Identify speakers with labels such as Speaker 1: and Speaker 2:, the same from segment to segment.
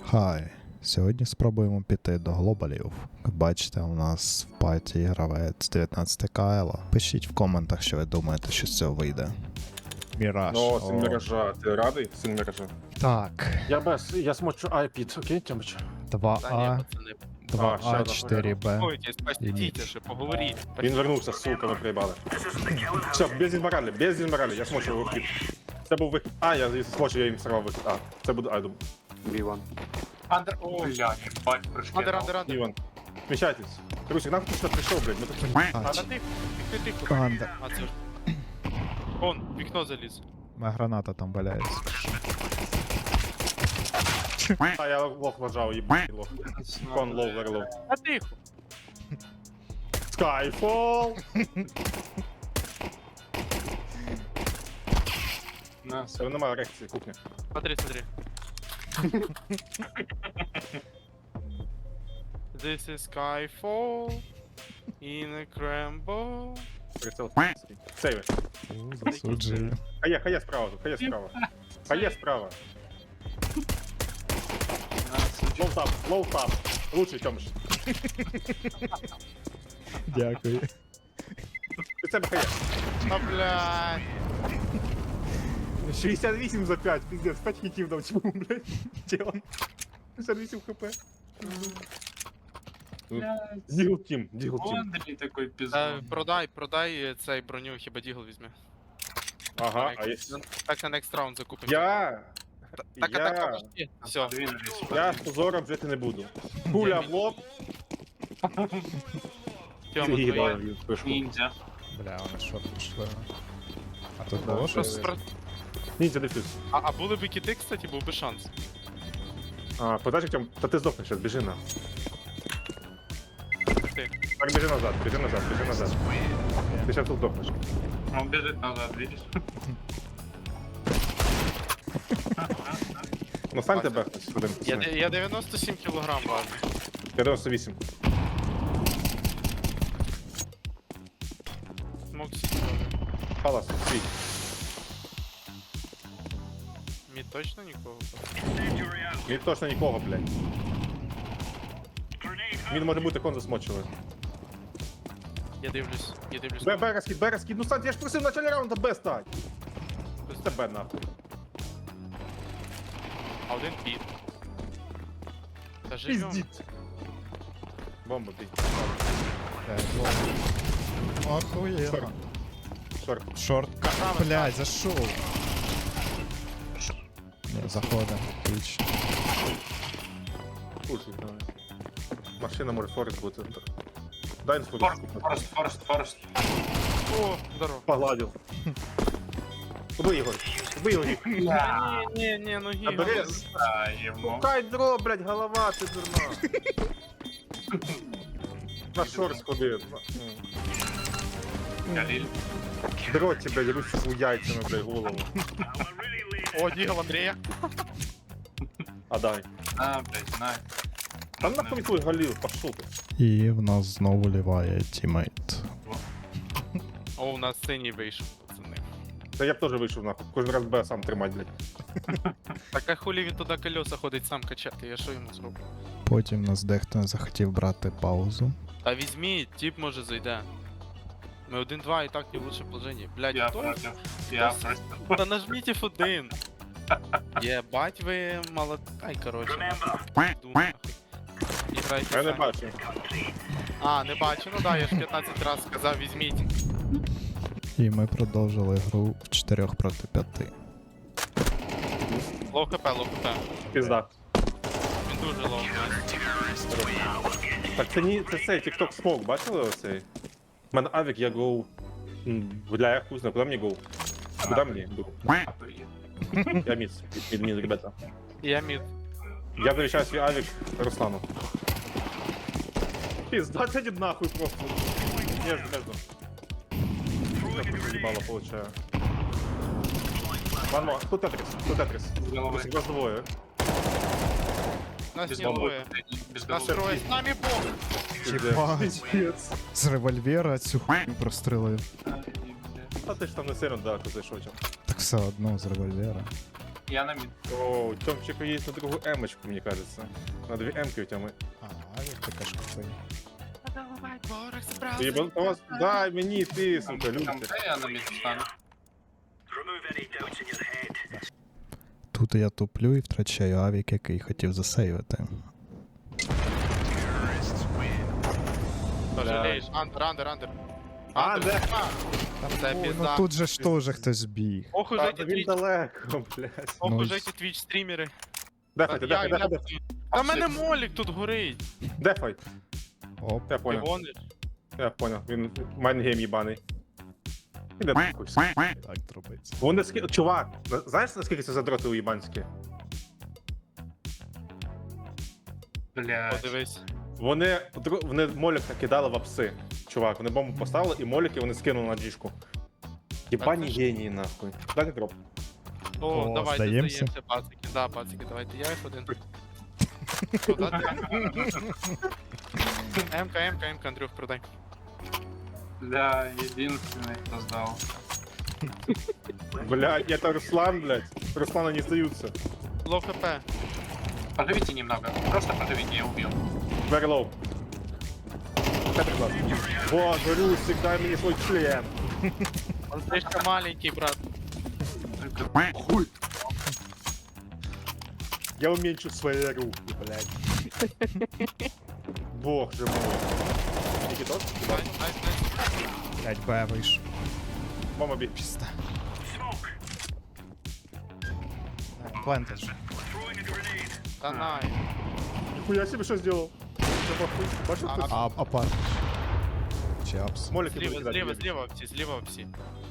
Speaker 1: Хай, сьогодні спробуємо піти до глобалів. Як бачите, у нас в паті гравець 19 КЛ. Пишіть в коментах, що ви думаєте, що з цього вийде. Міраж.
Speaker 2: Ну, син міража, ти радий? Син міража.
Speaker 1: Так,
Speaker 2: Я смочу айпід, окей, Тьомич?
Speaker 1: 2А,
Speaker 2: ще
Speaker 1: 2А,
Speaker 2: одна
Speaker 1: 4Б.
Speaker 3: Ой, спасите же, поговоріть.
Speaker 2: Він вернувся, сука, ми приїбали. Все, без інморалі, я смочу вихід. Це був вихід. А, я смочу, я їм сорвав вихід. А, це буде Айдум.
Speaker 4: B1.
Speaker 5: Андер, о, бля, ебать, прыжки.
Speaker 3: Андер.
Speaker 2: Іван. Сміщайтесь. Русик, нам хтось прийшов, блядь, ми тут...
Speaker 3: А на тих, тихо.
Speaker 1: Андер.
Speaker 3: А це ж. Вон, вікно заліз.
Speaker 1: Моя граната там валяється.
Speaker 2: А, я лох вважав, їбаний лох. Кон лоу, верлоу.
Speaker 3: А тихо.
Speaker 2: Skyfall! Це немає реакції, кухня.
Speaker 3: Смотри. This is Skyfall in a Crambo.
Speaker 2: Прицел. Сейви.
Speaker 1: Засуджую.
Speaker 2: Хає справа тут, хає справа. Лоу тап. Лучший, Тьомич.
Speaker 1: Дякую.
Speaker 2: Під себе хає.
Speaker 3: А, блядь.
Speaker 2: 68 за 5, пиздец, 5 хітів дав цьому, блядь. Тілом. 68 хп. Дігл тім.
Speaker 5: Андрей такой пизда.
Speaker 3: Продай цей броню, хіба дігл візьме.
Speaker 2: Ага, а
Speaker 3: Так на next round закупимо. Так, подожди. Все.
Speaker 5: Двинулись.
Speaker 2: я з позором жити не буду. Пуля в лоб.
Speaker 3: Тьома,
Speaker 2: І
Speaker 3: твої.
Speaker 2: дав їм спишку.
Speaker 5: Ниндзя.
Speaker 1: Бля, вони що пішли? А тут
Speaker 2: Да,
Speaker 1: було
Speaker 2: що
Speaker 1: щось?
Speaker 2: це? Ніндзя дефюз.
Speaker 3: А були б кіти, кстати, був би шанс.
Speaker 2: А, подачі Тьом, та ти здохнеш зараз, біжи на.
Speaker 3: Ти.
Speaker 2: Так, біжи назад. Ти зараз тут здохнеш.
Speaker 5: Он бежит назад, видишь?
Speaker 2: Ну стань тебе хтось один.
Speaker 3: Я 97 кілограм важу.
Speaker 2: 98.
Speaker 3: Смок сідати.
Speaker 2: Халас, свій.
Speaker 3: Мід точно нікого?
Speaker 2: Мені точно нікого, блядь. Він може бути кон засмочили.
Speaker 3: Я дивлюсь.
Speaker 2: Б розкид, ну стань, я ж просив в началі раунда Б стать. Це Б нахуй.
Speaker 3: А один під. Та живем.
Speaker 2: Пиздіть. Бомба бій.
Speaker 1: Охуєнно.
Speaker 2: Шорт.
Speaker 1: Шорт. Блядь, зашов. Не, заходим. Отлично.
Speaker 2: Слушай, давай. Машина може форест бути. Дай інфу.
Speaker 5: Форест.
Speaker 3: О, здорово.
Speaker 2: Погладив. Убий його.
Speaker 3: Ні, ну гіга.
Speaker 2: Абрез.
Speaker 5: Ему.
Speaker 2: Пукай дро, блядь, голова, ти дурна. На шорт сходив.
Speaker 5: Галиль.
Speaker 2: Дро тебе, ручку яйцями, блядь, голову.
Speaker 3: О, дігл Андрія.
Speaker 2: А дай.
Speaker 5: На, блядь, на.
Speaker 2: Там нахуй твій Галіл, пошов ти.
Speaker 1: І в нас знову ліває тімейт.
Speaker 3: О, у нас синій вийшов, пацани.
Speaker 2: Та я б теж вийшов нахуй. Кожен раз Б сам тримать, блядь.
Speaker 3: Так а хулі він туди колеса ходить сам качати, я що йому зроблю?
Speaker 1: Потім нас дехто захотів брати паузу.
Speaker 3: Та візьміть, тип може зайде. Ми 1-2 і так не в лучше положенні. Блядь,
Speaker 5: Я
Speaker 3: хто?
Speaker 5: против. Я против.
Speaker 3: Та нажміть F1. Єбать ви молод... Ай, короче. нахуй. Йду нахуй. І грайте
Speaker 2: Я не
Speaker 3: самі.
Speaker 2: бачу.
Speaker 3: А, не бачу, ну да, я ж 15 разів сказав, візьміть.
Speaker 1: І ми продовжили гру в 4 проти 5.
Speaker 3: Лоу хп.
Speaker 2: Пізда.
Speaker 3: Він дуже лоу.
Speaker 2: Так це не це цей TikTok Smoke, бачили оцей? У мене авік, я гоу. Бля, я хуй знаю, куди мені гоу? Куди мені гоу? Я міс, ребята.
Speaker 3: Я мід.
Speaker 2: Я завещаю свій авік Руслану. Пизда, иди нахуй просто. Между. Ебало получаю. Ладно, тут Тетрис.
Speaker 5: Головой.
Speaker 2: Вас двое.
Speaker 3: Нас
Speaker 5: Без
Speaker 3: не
Speaker 5: головы.
Speaker 3: двоє.
Speaker 5: Без
Speaker 3: Нас
Speaker 5: головы.
Speaker 3: троє. З нами Бог.
Speaker 1: Єбать. З револьвера цю хуйню прострелив.
Speaker 2: А ти ж там не сильно далеко зайшов.
Speaker 1: Так все одно з револьвера.
Speaker 5: Я на мид.
Speaker 2: О, у Тёмчика есть на другую эмочку, мне кажется. На 2 эмки у Тёмы.
Speaker 1: Авік така ж купий.
Speaker 2: Ебан, вас, дай мені, ти, сука,
Speaker 5: Там
Speaker 2: люди.
Speaker 5: Д, я на мид встану.
Speaker 1: Тут я туплю і втрачаю авік, який хотів засейвити.
Speaker 3: Жалеєш. Андер.
Speaker 2: А, де?
Speaker 3: Там це
Speaker 1: Ну
Speaker 3: пізда.
Speaker 1: тут же ж теж хтось біг.
Speaker 3: Ох
Speaker 2: Та,
Speaker 3: уже ті
Speaker 2: він
Speaker 3: твіч,
Speaker 2: далеко, блядь.
Speaker 3: ох
Speaker 1: Ну,
Speaker 3: уже ті твіч стрімери.
Speaker 2: Дефайте, дефайте.
Speaker 3: Та в мене молік тут горить.
Speaker 2: Дефай.
Speaker 1: Оп.
Speaker 2: Я
Speaker 3: Ти
Speaker 2: понял,
Speaker 3: гониш?
Speaker 2: я понял. Він майнгейм їбаний. Іде нахуй.
Speaker 1: Так трубиться.
Speaker 2: Вони чувак, знаєш, наскільки це задроти уїбанські?
Speaker 5: Блядь.
Speaker 3: Подивись.
Speaker 2: Вони молік накидали в апси. Чувак, вони бомбу поставили і моліки вони скинули на діжку. Єбані
Speaker 3: Так, це ж-
Speaker 2: генії, нахуй. Дайте дроп.
Speaker 3: О, давайте
Speaker 1: здаємося?
Speaker 3: здаємося, пацики. Да, пацики, давайте. Я їх один. Куда ти? МК, Андрюх, продай.
Speaker 5: Бля, единственный, кто сдал.
Speaker 2: Блядь, это Руслан, блядь. Руслана не сдаются.
Speaker 3: Лоу хп.
Speaker 5: Подавите немного. Просто подавите, я убью.
Speaker 2: Very low. Это класс. Вот, Русик, дай мне свой член.
Speaker 3: Он слишком маленький, брат.
Speaker 5: Только
Speaker 2: Хуй. Я уменьшу свои руки, блядь. Бог же мой. Никитос?
Speaker 3: Найс.
Speaker 1: 5Б вийшов.
Speaker 2: Мама бей.
Speaker 1: Пізда. Плентед же.
Speaker 3: Та най.
Speaker 2: Нихуя себе что сделал. Что, похуй? Бачил,
Speaker 3: А,
Speaker 2: кто?
Speaker 1: Апарт. Чи апс?
Speaker 2: Молики
Speaker 3: Зліва всі.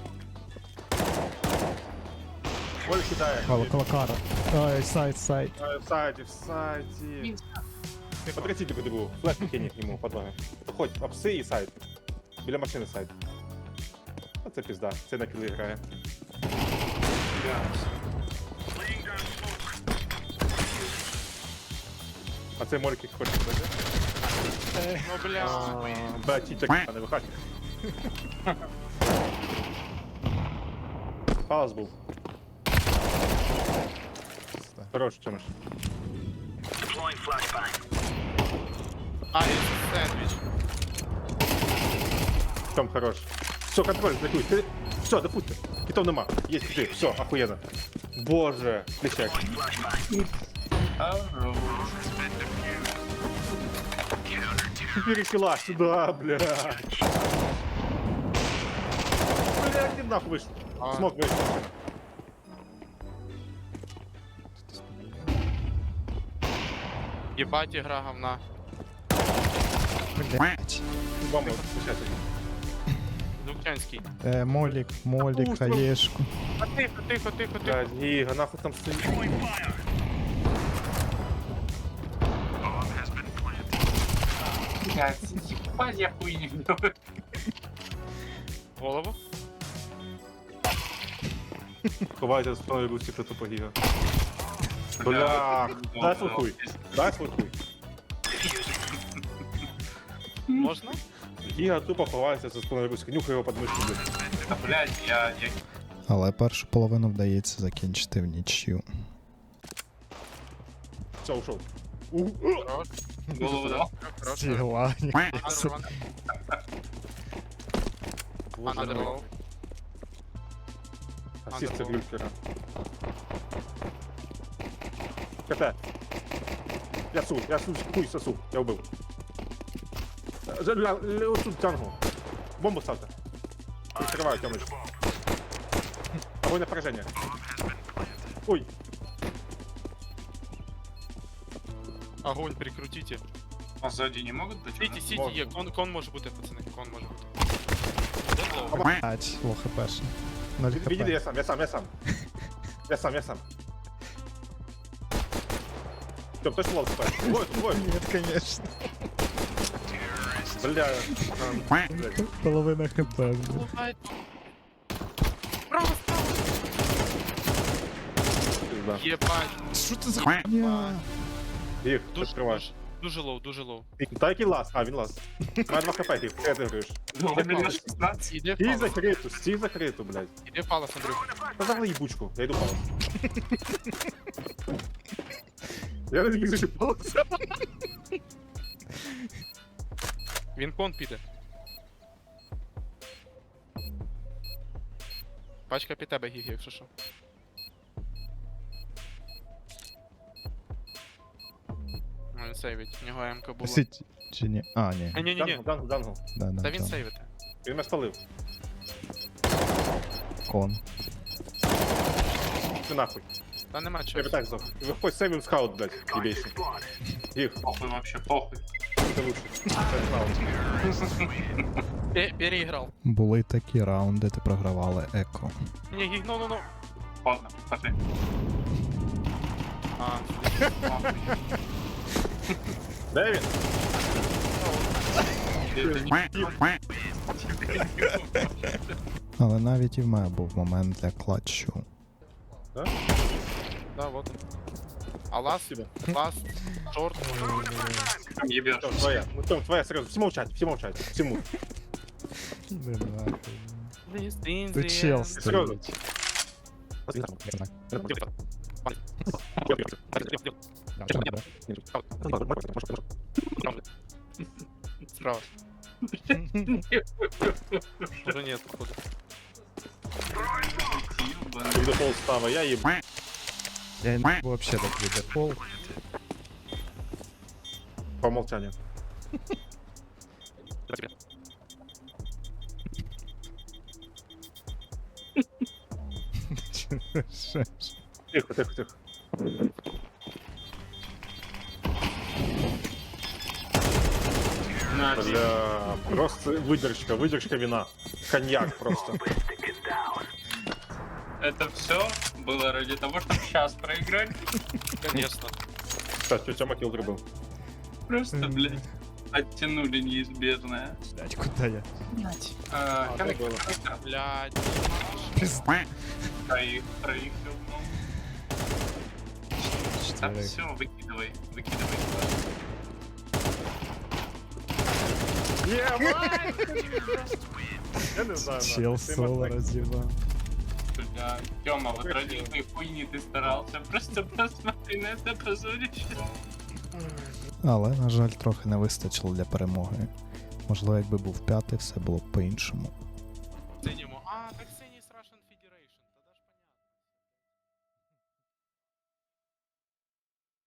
Speaker 2: Молик кидает.
Speaker 1: Колокара. Ай, сайт.
Speaker 2: В сайте. Подратите по другу. Флэш кинет ему под ноги. Хоть апсы и сайт. Біля машини сайт. А це пізда. Це на кіли грає. А це молик як хоче бити.
Speaker 3: Ну, бля.
Speaker 2: Бля, тітя, не виходь. Паус був. Хорош, чомусь.
Speaker 3: А, є сендвіч.
Speaker 2: Том хорош. Все, контроль, дефуй. Ты... Все, дефуйте. Китов нема. Есть киты. Все, охуенно. Боже, лещак. Перекила сюда, блядь. Блядь, где нахуй вышел?
Speaker 3: А.
Speaker 2: Смог вышел.
Speaker 3: Єбать ігра говна.
Speaker 1: Блять.
Speaker 2: Бомба, сейчас.
Speaker 3: Лукчанський.
Speaker 1: Молік,
Speaker 2: Пушка.
Speaker 1: хаєшку.
Speaker 3: А тихо.
Speaker 2: Блядь, Гига, нахуй там стоит.
Speaker 5: Блядь, ебать, я хуй не вдал.
Speaker 3: Голову.
Speaker 2: Ховайте з правої русі, хто тупо Гига. Бля, дай свой хуй. Дай свой хуй.
Speaker 3: Можна?
Speaker 2: Гіга тупо ховається за спиною русі. Нюхай його під мишку, блядь.
Speaker 5: Да, блядь, я...
Speaker 1: Але першу половину вдається закінчити в нічю.
Speaker 2: Все, ушов.
Speaker 3: Хорош.
Speaker 5: Голову дал.
Speaker 3: Хорош.
Speaker 1: Сігла.
Speaker 3: Андер лоу.
Speaker 2: Асіст це
Speaker 3: Андерлоу.
Speaker 2: глюкера. КТ. Я хуй сосу, я убив. Отсюд тянгу. Бомбу ставте. Прикриваю, Тёмыч. Огонь на поражение. Ой,
Speaker 3: Огонь, прикрутите.
Speaker 5: А сзади не могут быть?
Speaker 3: Сіті, є. Кон може бути, пацани. Кон може бути. Де лоу?
Speaker 1: Блять, лох хпшний. 0
Speaker 2: видите,
Speaker 1: хп.
Speaker 2: я сам. Тём, точно лол спать? Твой.
Speaker 1: Нет, конечно.
Speaker 2: Бля.
Speaker 1: Половина хп. блін.
Speaker 3: Право, справа.
Speaker 2: Пизда.
Speaker 3: Єбать.
Speaker 1: Що це за хуйня?
Speaker 2: Их,
Speaker 3: Душ,
Speaker 2: открывай.
Speaker 3: душ. Дуже лоу, дуже лоу.
Speaker 2: Та який лаз? А, він лаз. Має 2 хп, ти граєш.
Speaker 5: Ну, он меня 16.
Speaker 3: Іди
Speaker 2: Стій
Speaker 3: палас,
Speaker 2: закриту, стій закриту, блядь.
Speaker 3: іди палас, Андрюх.
Speaker 2: Та загли їбучку, я йду палас. Я не зміг зайти палас.
Speaker 3: Він кон піде. Пачка під тебе, Гігі, якщо що. Ну, він сейвить, в нього МК було.
Speaker 1: Сіть чи ні? А, ні.
Speaker 3: А, ні-ні-ні,
Speaker 2: Дангл.
Speaker 1: Да,
Speaker 3: та він
Speaker 1: да.
Speaker 3: сейвити.
Speaker 2: Він мене спалив.
Speaker 1: Кон.
Speaker 2: Ти нахуй.
Speaker 3: Та нема
Speaker 2: Я
Speaker 3: чого.
Speaker 2: би так зав. Виходь сейвим скаут, блядь, єбейший. Їх,
Speaker 5: Похуй вообще, похуй.
Speaker 2: це лучше. Це скаут.
Speaker 3: Переіграв.
Speaker 1: Були такі раунди, де програвали еко.
Speaker 3: Ні, Гіг, ну.
Speaker 5: Поздно, пошли.
Speaker 3: А,
Speaker 5: Похуй.
Speaker 2: Де він?
Speaker 1: Але навіть і в мене був момент для клатчу.
Speaker 3: да, вот он. А ласт,
Speaker 2: Спасибо.
Speaker 3: ласт, шорт.
Speaker 5: Там ебешь.
Speaker 2: Тём, твоя. Ну, Тём, твоя, серьезно. Все молчать, все молчать. Всему.
Speaker 1: Ти чел
Speaker 2: Серьезно.
Speaker 3: Справа. Уже нет, походу.
Speaker 2: Ты до пол става, я еб...
Speaker 1: Я не вообще так відепол.
Speaker 2: По умолчанию. Тихо, тихо, тихо.
Speaker 5: На,
Speaker 2: Бля, просто выдержка, выдержка вина. Коньяк просто.
Speaker 5: это все было ради того, чтобы сейчас проиграть.
Speaker 3: Конечно.
Speaker 2: Сейчас, тетя Макил был.
Speaker 5: Просто, блядь, оттянули неизбежное.
Speaker 1: Блять, куда я?
Speaker 2: так было.
Speaker 3: Блядь.
Speaker 5: Проиграл, ну. Так, все, выкидывай.
Speaker 2: Я не знаю.
Speaker 1: Чел соло разъебал.
Speaker 5: Бля, Тёма, вот ради этой хуйни ты старался. Просто посмотри на это позорище.
Speaker 1: Але, на жаль, трохи не вистачило для перемоги. Можливо, якби був п'ятий, все було б по-іншому.